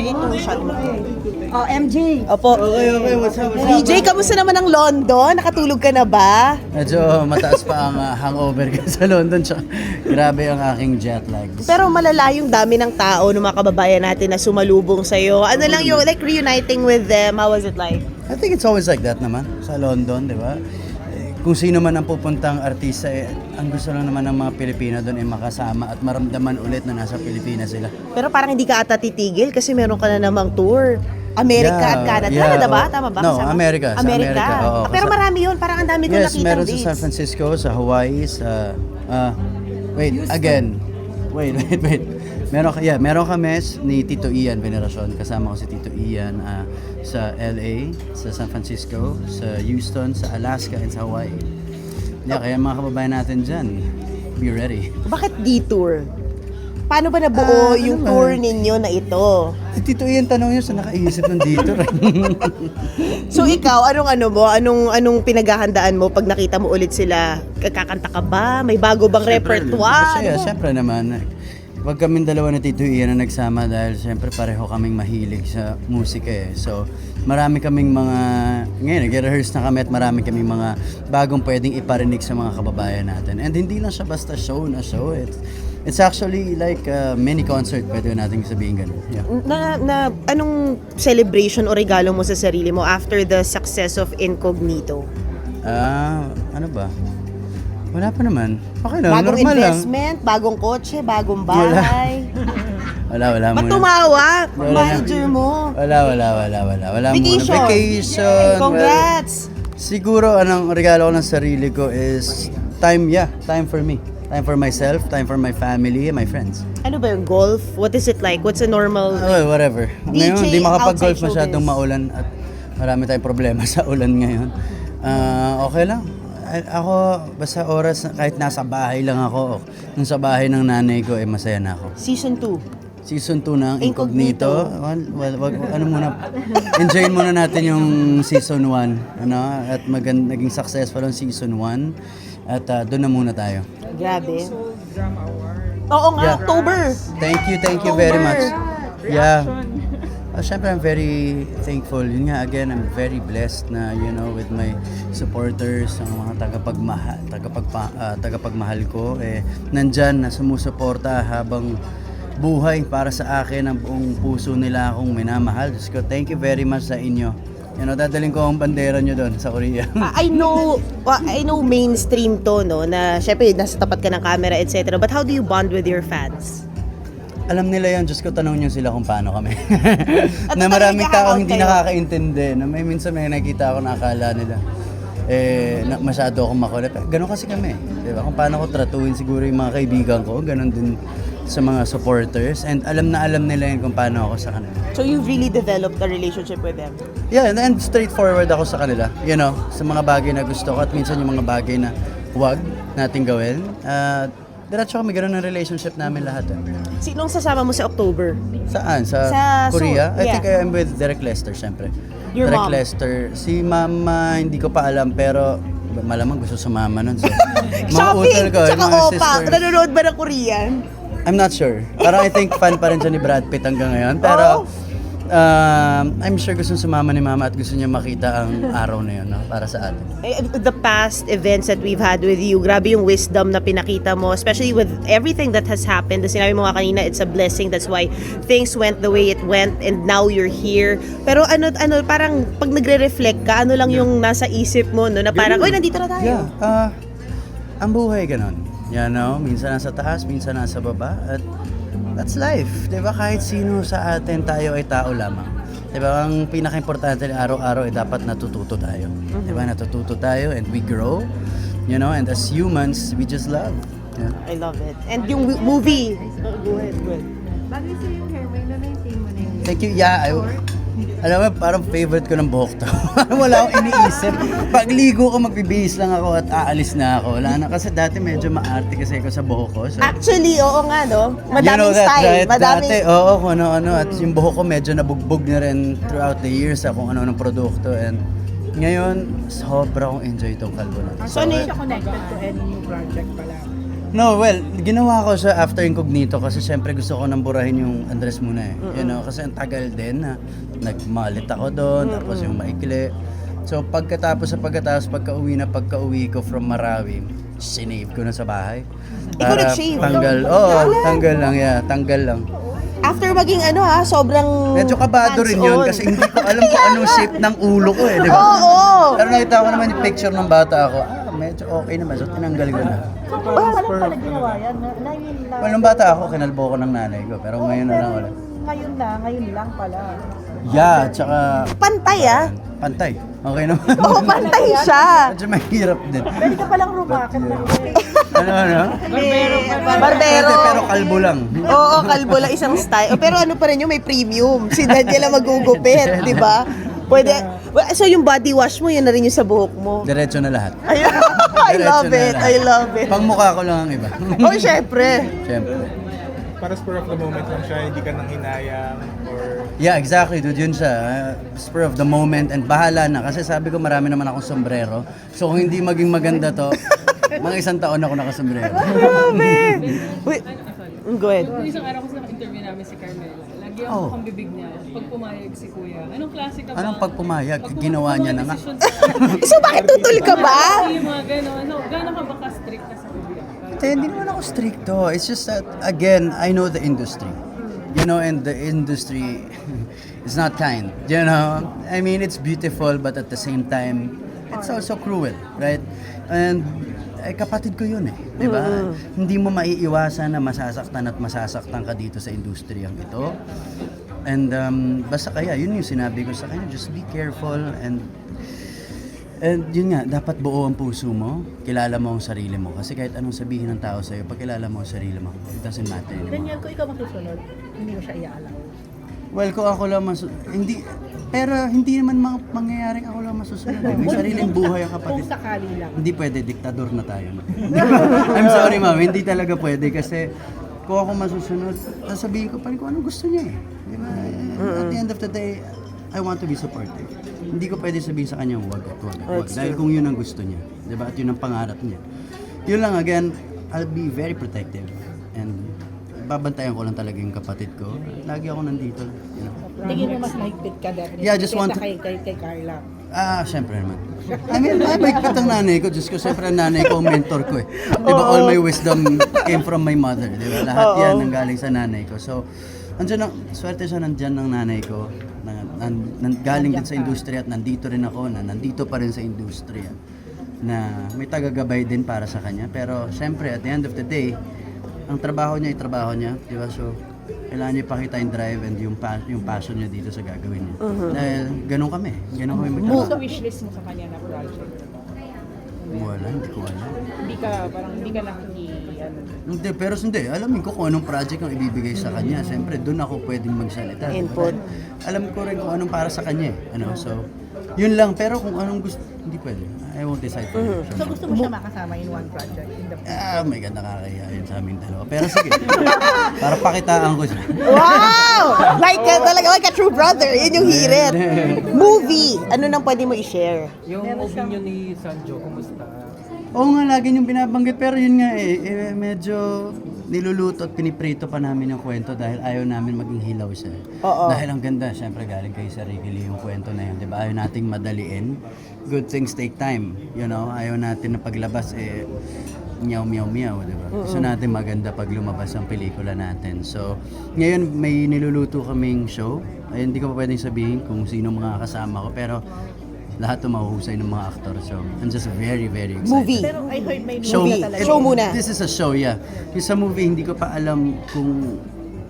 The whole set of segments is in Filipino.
Itong shot mo. Oh, MJ. Opo. Okay, what's up? DJ, kamusta naman ang London? Nakatulog ka na ba? Medyo mataas pa ang hangover ko sa London. Tsaka, grabe ang aking jet lag. Pero malala yung dami ng tao, ng mga kababayan natin na sumalubong sa'yo. Ano lang yung like reuniting with them? How was it like? I think it's always like that naman sa London, di ba? Kung sino man ang pupuntang artista, ang gusto lang naman ng mga Pilipino doon ay makasama at maramdaman ulit na nasa Pilipinas sila. Pero parang hindi ka ata titigil kasi meron ka na namang tour. America Yeah, at Canada, yeah, ba? oh. Tama ba? No, Kasama? America, sa America, oo. Pero marami yun, parang ang dami ko Yes, nakita meron dates. sa San Francisco, sa Hawaii, sa... wait. Meron kami ni Tito Ian Veneracion. Kasama ko si Tito Ian sa LA, sa San Francisco, sa Houston, sa Alaska, and sa Hawaii. Yeah, kaya mga kababayan natin dyan, be ready. Bakit detour? Paano ba nabuo yung naman? tour ninyo na ito? Si Tito Ian, tanong niyo sa nakaisip ng dito. So ikaw, anong pinaghahandaan mo pag nakita mo ulit sila? Kakanta ka ba? May bago bang repertoire? Kasi syempre naman, wag kaming dalawa na Tito Ian na nagsama dahil syempre pareho kaming mahilig sa musika eh. So marami kaming mga, ngayon nag-rehearse na kami at marami kaming mga bagong pwedeng iparinig sa mga kababayan natin. And hindi lang siya basta show. It's actually like a mini concert, pwede natin sabihin ganun. Yeah. Na anong celebration o regalo mo sa sarili mo after the success of Incognito? Ano ba? Wala pa naman. Okay lang, Bagong normal lang. investment, bagong kotse, bagong bahay. Wala Ba't muna. tumawa? Wala Manager mo. Wala Vacation. muna. Vacation. Congrats. Siguro, anong regalo ko ng sarili ko is time for me. Time for myself, time for my family, and my friends. Ano ba yung golf? What is it like? What's a normal... Whatever. DJ Ngayon, hindi makapag-golf outside masyadong showbiz. maulan at marami tayong problema sa ulan ngayon. Okay lang. Ako, basta oras, kahit nasa bahay lang ako, nung sa bahay ng nanay ko, masaya na ako. Season 2. Season 2 ng Incognito. Enjoyin muna natin yung season 1, at naging successful ang season 1, at doon na muna tayo. Grabe. Oo nga, Yeah. October. Thank you very much. Yeah. Siyempre, I'm very thankful. Yun nga, again, I'm very blessed na, with my supporters, ang mga tagapagmahal ko, nandyan na sumusuporta habang buhay para sa akin, ang buong puso nila akong minamahal. Diyos ko, thank you very much sa inyo. Dadaling ko ang bandera nyo doon sa Korea. I know mainstream to, no, na syempre nasa tapat ka ng camera, etc. But how do you bond with your fans? Alam nila yan, Diyos ko, tanong nyo sila kung paano kami. At Na maraming talagang tao hindi kayo. nakakaintindi, na minsan may nakita ako na akala nila, na masyado akong makulit. Ganon kasi kami, di ba? Kung paano ko tratuhin siguro yung mga kaibigan ko, ganon din sa mga supporters. And alam nila yan kung paano ako sa kanila. So you've really developed a relationship with them? Yeah, and straightforward ako sa kanila, sa mga bagay na gusto ko at minsan yung mga bagay na huwag nating gawin. Diretso kami, gano'n ang relationship namin lahat. Sinong sasama mo sa October? Saan? Sa Korea? I think I'm with Derek Lester, syempre. Your Derek mom? Lester. Si mama, hindi ko pa alam, pero malamang gusto sumama nun. So, mga Shopping! utol ko, Tsaka mga opa! sisters. Nanonood ba ng Korean? I'm not sure. Parang I think fan pa rin siya ni Brad Pitt hanggang ngayon. Pero I'm sure gusto sumama ni mama at gusto niya makita ang araw na yun, para sa atin. The past events that we've had with you, grabe yung wisdom na pinakita mo, especially with everything that has happened. Sinabi mo nga kanina, it's a blessing. That's why things went the way it went and now you're here. Pero parang pag nagre-reflect ka, ano lang yung nasa isip mo, no? Na parang, oy, nandito na tayo. Yeah. Ang buhay ganon. Minsan nasa taas, minsan nasa baba. At that's life. Diba? Kahit sino sa atin, tayo ay tao lamang. Diba? Ang pinaka-importante araw-araw ay dapat natututo tayo. Diba? Natututo tayo and we grow. And as humans, we just love. Yeah. I love it. And yung movie. Go ahead. Bagay sa'yo yung hair, may na-maintain mo na yun. Thank you. Yeah, alam mo, parang favorite ko ng buhok to. Wala akong iniisip. Pagligo ko, magbibihis lang ako at aalis na ako. Wala na. Kasi dati medyo maarte kasi ako sa buhok ko. So, Actually, oo nga, no? Madaming style. Right? Dati, kung ano-ano. At yung buhok ko medyo nabugbog na rin throughout the years sa kung ano-anong produkto. And ngayon, sobra kong enjoy itong kalbo na. So, ano Siya connected to any new project pala. No, well, ginawa ko siya after Incognito kasi syempre gusto ko nang burahin yung Andres muna eh. You know, kasi ang tagal din na nagmalit ako doon, tapos yung maikli. So pagkatapos pagka-uwi ko from Marawi, sinave ko na sa bahay. Ikaw nag-shave? Tanggal lang, tanggal lang. After maging sobrang Medyo kabado rin yun hands-on. kasi hindi ko alam kung anong shape ng ulo ko eh, di ba? Oo! Pero nakita ko naman yung picture ng bata ako, medyo okay naman, so tinanggal ko na. Paano pala ginawa yan? Ngayon lang. Well, nung bata ako, kinalbo ko ng nanay ko, pero ngayon na lang ulit. Ngayon lang pala. Yeah, tsaka Pantay pantay. Okay naman. Oo, pantay siya. Medyo mahirap din. Pwede ka palang rumakit na Ano? Barbero. Pero kalbo lang. Oo, kalbo lang isang style. Pero ano pa rin yung may premium. Si Daniela magugupit, di ba? Pwede. So yung body wash mo, yun na rin yung sa buhok mo. Diretso na lahat. Ay, I love it. I love it. Pang mukha ko lang ang iba. Oh, syempre. Siyempre. Para spur of the moment lang siya, hindi ka nang hinayang or... Yeah, exactly, dude. Yun siya. Spur of the moment and bahala na. Kasi sabi ko marami naman akong sombrero. So kung hindi maging maganda to, mga 1 taon ako nakasombrero. Grabe. Wait. Go ahead. Nung isang araw kasi naka-interview namin si Carmela. Lagi ang mukhang bibig niya. Pag pumayag si Kuya. Anong klase ka ba? Anong pagpumayag? Ginawa niya na nga. So bakit tutol ka ba? Yung mga gano'n. Gano'n ka ba ka-strict ka sa Kuya? Hindi naman ako stricto. It's just that, again, I know the industry. You know, and the industry is not kind. You know, I mean, it's beautiful, but at the same time, it's also cruel, right? And kapatid ko yun eh, di ba? Hindi mo maiiwasan na masasaktan ka dito sa industriyang ito. And basta kaya, yun yung sinabi ko sa kanya, just be careful and yun nga, dapat buo ang puso mo, kilala mo ang sarili mo. Kasi kahit anong sabihin ng tao sa'yo, pag kilala mo ang sarili mo, it doesn't matter anymore. Daniel, kung ikaw masusunod, hindi mo siya iaalaw. Well, kung ako lang hindi, pero hindi naman mangyayaring ako lang masusunod. May sariling buhay ang kapatid. Kung sakali lang. Hindi pwede, diktador na tayo. I'm sorry ma'am, hindi talaga pwede kasi kung ako masusunod, sasabihin ko pa rin kung anong gusto niya eh. Di ba? At the end of the day, I want to be supportive. Hindi ko pwede sabihin sa kanya, wag. Dahil kung yun ang gusto niya. Di ba? At yun ang pangarap niya. Yun lang, again, I'll be very protective. And babantayan ko lang talaga yung kapatid ko. Lagi ako nandito. You know? Tingin mo mas mahigpit ka definitely. Yeah, I just want to- kay Carla. Siyempre naman. I mean, mahigpit ang nanay ko. Diyos ko, siyempre ang nanay ko, ang mentor ko eh. Di ba, all my wisdom came from my mother. Di ba? Lahat yan ang galing sa nanay ko. So, swerte siya nandyan ng nanay ko. Galing din sa industriya at nandito rin ako, nandito pa rin sa industriya. Na may tagagabay din para sa kanya. Pero, siyempre, at the end of the day, ang trabaho niya, di ba? So, kailangan niya ipakita yung drive and yung passion niya dito sa gagawin niya. Dahil ganun kami magtrabaho. Sa wishlist mo sa kanya na project? Wala, hindi ko alam. Hindi ka Hindi, pero hindi. Alamin ko kung anong project ang ibibigay sa kanya. Siyempre, doon ako pwedeng magsalita. Input. Alam ko rin kung anong para sa kanya eh. So, yun lang. Pero kung anong gusto, hindi pwede. I won't decide for you. So gusto mo siya makasama in one project? In the May ganda nakakaya yun sa aming dalawa. Pero sige, para pakitaan ko siya. Wow! Talaga like a true brother. Yun yung hirit. Movie. Ano nang pwede mo i-share? Yung opinion ni Sanjo, kumusta? Oo nga, lagi niyong binabanggit. Pero yun nga medyo niluluto at piniprito pa namin yung kwento dahil ayaw namin maging hilaw siya. Oo. Dahil ang ganda, syempre galing kay Sir Ricky Lee yung kwento na yun. Diba? Ayaw nating madaliin. Good things take time. You know, ayaw natin na paglabas meow meow meow, diba? Gusto natin maganda pag lumabas ang pelikula natin. So, ngayon may niluluto kaming show. Hindi ko pa pwedeng sabihin kung sino mga kasama ko, pero lahat ito mahuhusay ng mga aktor. So, I'm just very, very excited. Movie. Pero I heard may Show, movie talaga. Show muna. This is a show, yeah. Yung sa movie, hindi ko pa alam kung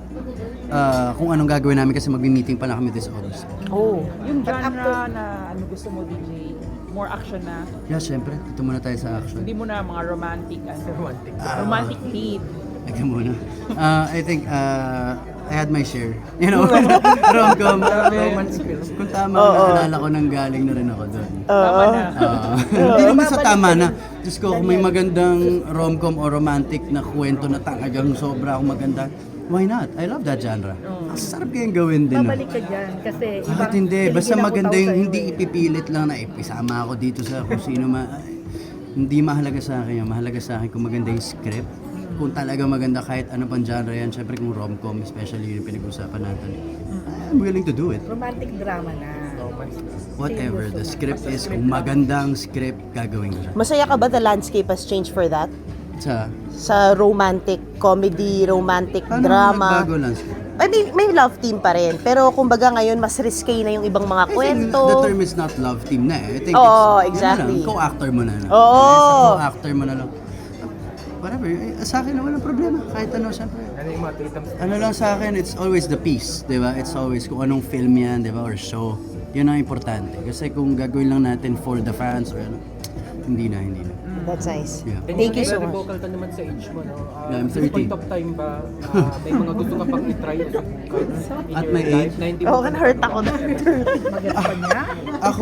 anong gagawin namin kasi mag-meeting pa lang kami this August. Oh. Yung genre na ano gusto mo, DJ? More action na? Yeah, syempre. Ito muna tayo sa action. Hindi mo na mga romantic romantic lead. Ito muna. I think I had my share. You know, rom-com. Kung tama, naalala ko nang galing na rin ako doon. Tama na. Hindi naman sa tama na. Diyos ko, kung may magandang rom-com o romantic na kwento na talagang sobra akong maganda, why not? I love that genre. Ang sarap kayang gawin din. No? Babalik ka dyan kasi Bakit hindi? Basta maganda yung hindi ipipilit lang na ipisama ako dito sa kung sino hindi mahalaga sa akin yun. Mahalaga sa akin kung maganda yung script kung talaga maganda kahit ano pang genre yan, syempre kung rom-com, especially yung pinag-usapan natin, I'm willing to do it. Romantic drama na. Whatever the script is, kung magandang script, gagawin ko siya. Masaya ka ba the landscape has changed for that? Sa romantic comedy, romantic Paano drama? nagbago lang script? I mean, may love team pa rin. Pero kumbaga ngayon, mas risque na yung ibang mga I think kwento. the term is not love team na eh. I think Oo, it's, exactly. yun na lang, co-actor mo na lang. Oo. Co-actor mo na lang. Whatever, sa akin walang problema. Kahit ano, syempre. Ano yung mga tweetams? Ano lang sa akin, it's always the piece, di ba? It's always kung anong film yan, di ba? Or show. Yun ang importante. Kasi kung gagawin lang natin for the fans or ano, hindi na. That's nice. Yeah. Thank you so Very much. vocal ka naman sa age mo, no? Yeah, I'm Sa 30. point of time ba, may mga gusto ka pang i-try o subukan in At your my life age? na hindi Oo, mo hurt ako na. Maganda pa niya. Ako,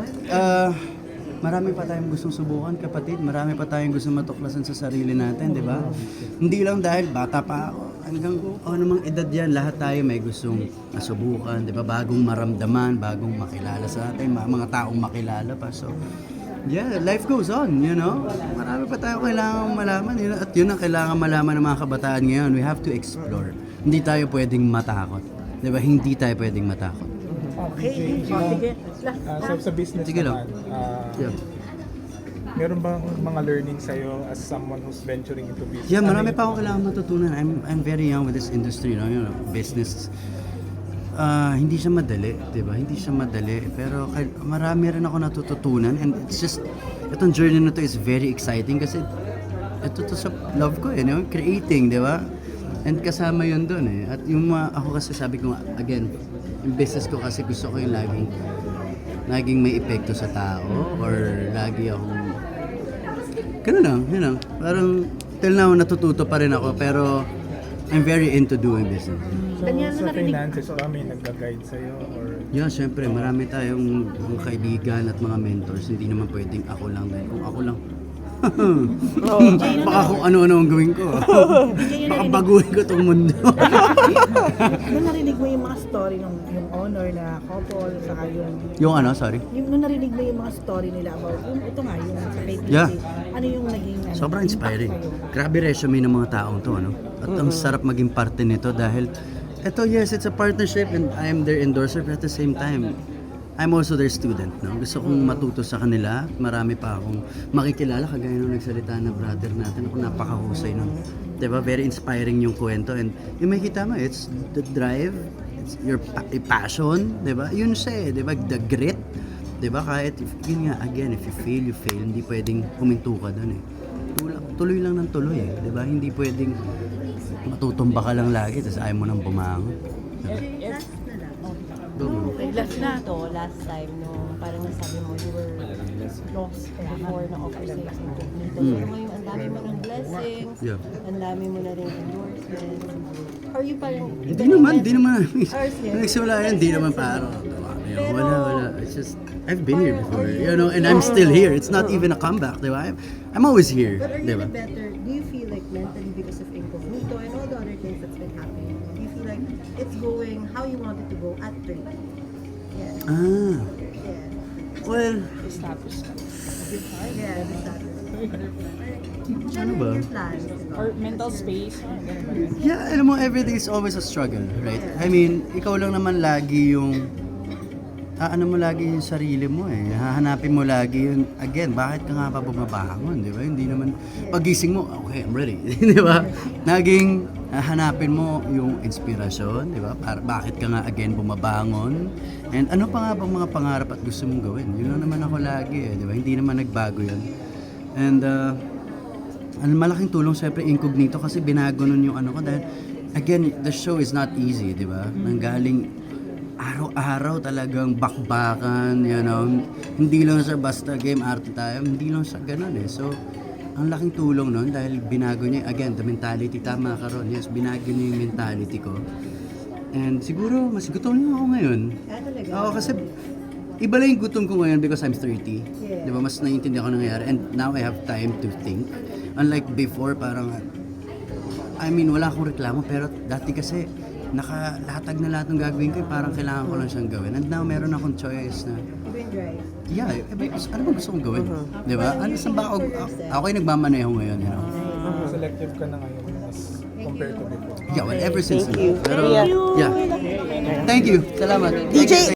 marami pa tayong gustong subukan, kapatid. Marami pa tayong gustong matuklasan sa sarili natin, di ba? Hindi lang dahil bata pa ako. Hanggang anumang edad yan, lahat tayo may gustong masubukan, di ba? Bagong maramdaman, bagong makilala sa atin, mga taong makilala pa. So, yeah, life goes on, you know? Marami pa tayo kailangang malaman, at yun ang kailangan malaman ng mga kabataan ngayon. We have to explore. Hindi tayo pwedeng matakot. Di ba? Hindi tayo pwedeng matakot. Okay. Sige. Sa business Sige lang. naman, Yeah. meron bang mga learning sa'yo as someone who's venturing into business? Yeah, marami Ano pa akong kailangan matutunan. I'm very young with this industry, you know, business. Hindi siya madali, 'di ba? Hindi siya madali, pero marami rin ako natututunan, and it's just itong journey na to is very exciting kasi ito to sa love ko, you know, creating, 'di ba? And kasama 'yun doon eh. At yung ako kasi sabi ko nga, again, yung business ko kasi gusto ko yung laging may epekto sa tao, or lagi akong ganun lang, yun lang. Parang till now natututo pa rin ako, pero I'm very into doing business. So, sa finances ba, may nagga-guide sa'yo? Or Yeah, syempre, marami tayong mga kaibigan at mga mentors. Hindi naman pwedeng ako lang dahil kung ako lang, baka kung ano-ano ang gawin ko. Baka baguhin ko itong mundo. Nung narinig mo yung mga story ng yung honor na couple, saka Yung ano, sorry? nung narinig mo yung mga story nila about yung ito nga, yung sa kay Titi, Yeah. ano yung naging ano, Sobrang impact inspiring. sa'yo? Grabe resume ng mga taong to, ano? At ang sarap maging parte nito dahil ito, yes, it's a partnership and I am their endorser, but at the same time, I'm also their student, no? Gusto kong matuto sa kanila. Marami pa akong makikilala, kagaya nung nagsalita na brother natin. Ako, napakahusay nun. Diba? Very inspiring yung kwento. And yung makikita mo, it's the drive, it's your passion, diba? Yun siya eh, diba? The grit. Diba? Kahit, yun nga, again, if you fail, hindi pwedeng huminto ka dun eh. Tuloy lang ng tuloy eh, diba? Hindi pwedeng matutumba ka lang lagi, tapos ayaw mo nang bumangon. Diba? Last na. Last time, no, parang nasabi mo, you were lost before na-offer sa incognito. Pero ngayon, ang dami mo ng blessings, Yeah. ang dami mo na rin endorsements. Are you parang... Hindi naman. Ours din. Nagsimula yan, hindi naman parang, wala. It's just, I've been here before, you know, and I'm still here. It's not even a comeback, di ba? I'm always here, But are di you ba? better, do you feel like mentally because of incognito and all the other things that's been happening, do you feel like it's going how you want it to go at 30? Yeah. Ah, Yeah. well, Yeah, the status. ano ba? Your plans, Or mental space. Yeah, alam mo, everything is always a struggle, right? I mean, ikaw lang naman lagi yung ano mo lagi yung sarili mo eh. Hahanapin mo lagi yun. Again, bakit ka nga pa bumabangon, di ba? Hindi naman, pagising mo, okay, I'm ready. Di ba? Naging hanapin mo yung inspirasyon, di ba? Bakit ka nga again bumabangon? And ano pa nga bang mga pangarap at gusto mong gawin? Yun lang naman ako lagi eh, di ba? Hindi naman nagbago yun. And, ang malaking tulong siyempre incognito kasi binago nun yung ano ko dahil again, the show is not easy, di ba? Nanggaling araw-araw talagang bakbakan, you know. Hindi lang siya basta game arte tayo, hindi lang siya ganun eh. So, ang laking tulong nun dahil binago niya, again, the mentality, tama ka ron, yes, binago niya yung mentality ko. And siguro, mas gutom lang ako ngayon. Oo, kasi iba lang yung gutom ko ngayon because I'm 30. Di ba, mas naiintindihan ko nangyayari. And now I have time to think. Unlike before, parang, I mean, wala akong reklamo, pero dati kasi, nakalatag na lahat ng gagawin ko, parang kailangan ko lang siyang gawin. And now, meron akong choice na, yeah, ano ba gusto kong gawin? Di ba? Ano, saan ba ako yung nagmamaneho ngayon, you know? sa selective ka na ngayon as compared to before? Yeah, well, ever since. Thank you. Pero, Thank yeah. Thank you. Salamat. DJ,